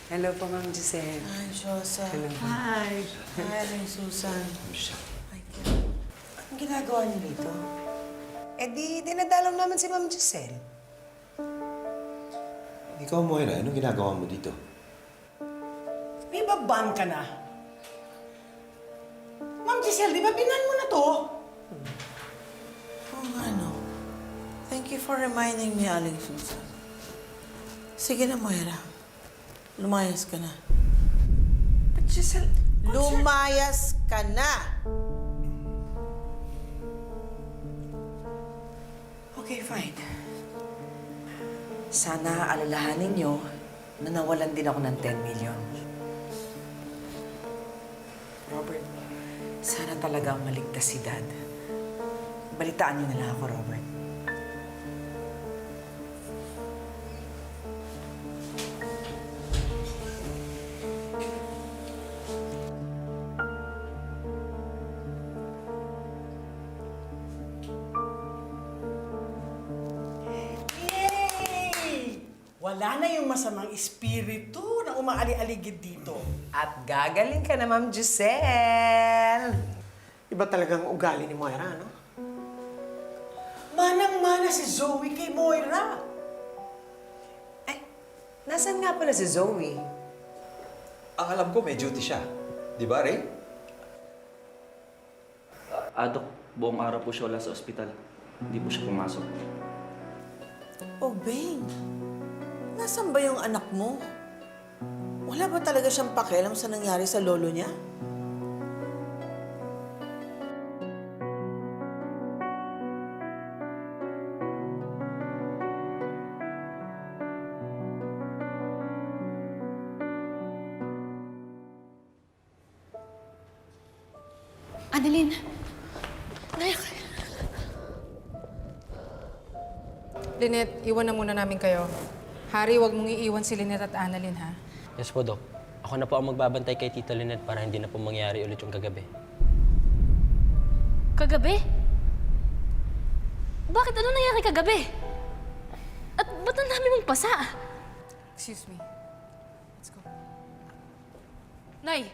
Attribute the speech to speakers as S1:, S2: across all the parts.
S1: Hello po, Ma'am Giselle.
S2: Hi, Josa.
S1: Hello.
S2: Hi. Hi, Aling Susan. Hi, Kim. Anong ginagawa niyo dito?
S1: Eh di, dinadalaw naman si Ma'am Giselle.
S3: Ikaw, Moira, anong ginagawa mo dito?
S2: May baban ka na. Ma'am Giselle, di ba binan mo na to? Oo nga, no. Thank you for reminding me, Aling Susan. Sige na, Moira. Lumayas ka na.
S1: But Giselle,
S2: Lumayas ka na!
S1: okay, fine. Sana alalahanin niyo na nawalan din ako ng 10 million. Robert, sana talagang maligtas si Dad. Balitaan niyo na lang ako, Robert.
S2: Yay! Wala na yung masamang espiritu na umaali-aligid dito.
S1: At gagaling ka na, Ma'am Giselle.
S4: Iba talagang ugali ni Moira, no?
S2: Manang-mana si Zoe kay Moira.
S1: Ay, nasaan nga pala si Zoe?
S3: Ang alam ko, may duty siya. Di ba, Ray?
S5: Dok, buong araw po siya wala sa ospital. Hindi po siya pumasok.
S2: Oh, Bing. Nasaan ba yung anak mo? Wala ba talaga siyang pakialam sa nangyari sa lolo niya?
S6: Annalyn! Anak!
S7: Lynette, iwan na muna namin kayo. Harry, huwag mong iiwan si Lynette at Annalyn, ha?
S8: Yes po, Dok. Ako na po ang magbabantay kay Tita Lynette para hindi na po mangyari ulit yung kagabi.
S6: Kagabi? Bakit? Ano nangyari kagabi? At ba't ang dami mong pasa?
S7: Excuse me. Let's go.
S6: Nay!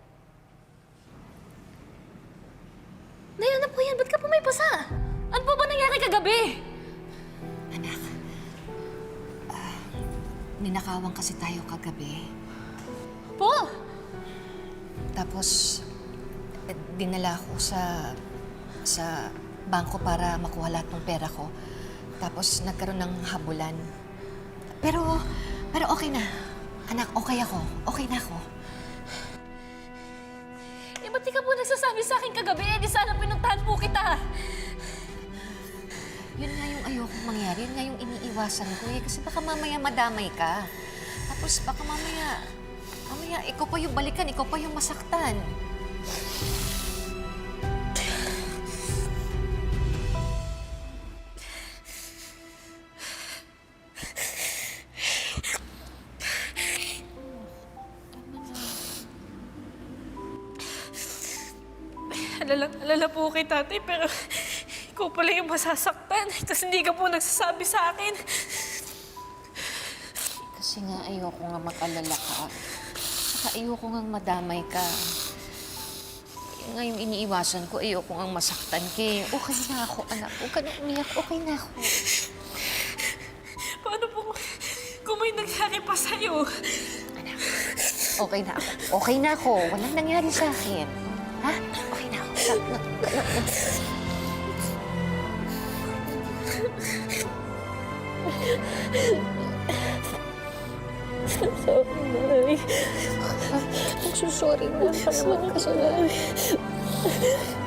S6: Nay, ano po yan? Ba't ka po may pasa? Ano po ba nangyari kagabi?
S9: Anak, ninakawan kasi tayo kagabi.
S6: Po!
S9: Tapos, dinala ko sa bangko para makuha lahat ng pera ko. Tapos, nagkaroon ng habulan. Pero okay na. Anak, okay ako. Okay na ako.
S6: Eh, ba't di ka po nagsasabi sa akin kagabi? Eh, di sana pinuntahan po kita.
S9: Yun nga yung ayokong mangyari. Yun nga yung iniiwasan ko eh. Kasi baka mamaya madamay ka. Tapos baka mamaya ikaw pa yung balikan, ikaw pa yung masaktan.
S6: Alala po kay tatay, pero ikaw pala yung masasaktan. Tapos hindi ka po nagsasabi sa akin.
S9: Kasi nga ayoko nga mag-alala ka. Saka ayoko nga madamay ka. Yun nga yung iniiwasan ko, ayoko nga masaktan ka. Okay na ako, anak. Huwag ka na umiyak. Okay na ako.
S6: Paano po kung may nangyari pa sa'yo?
S9: Anak, okay na ako. Okay na ako. Walang nangyari sa akin. Ha? Okay na ako.
S6: Sorry, Nay.
S9: I'm so sorry na. Parang kasalanan.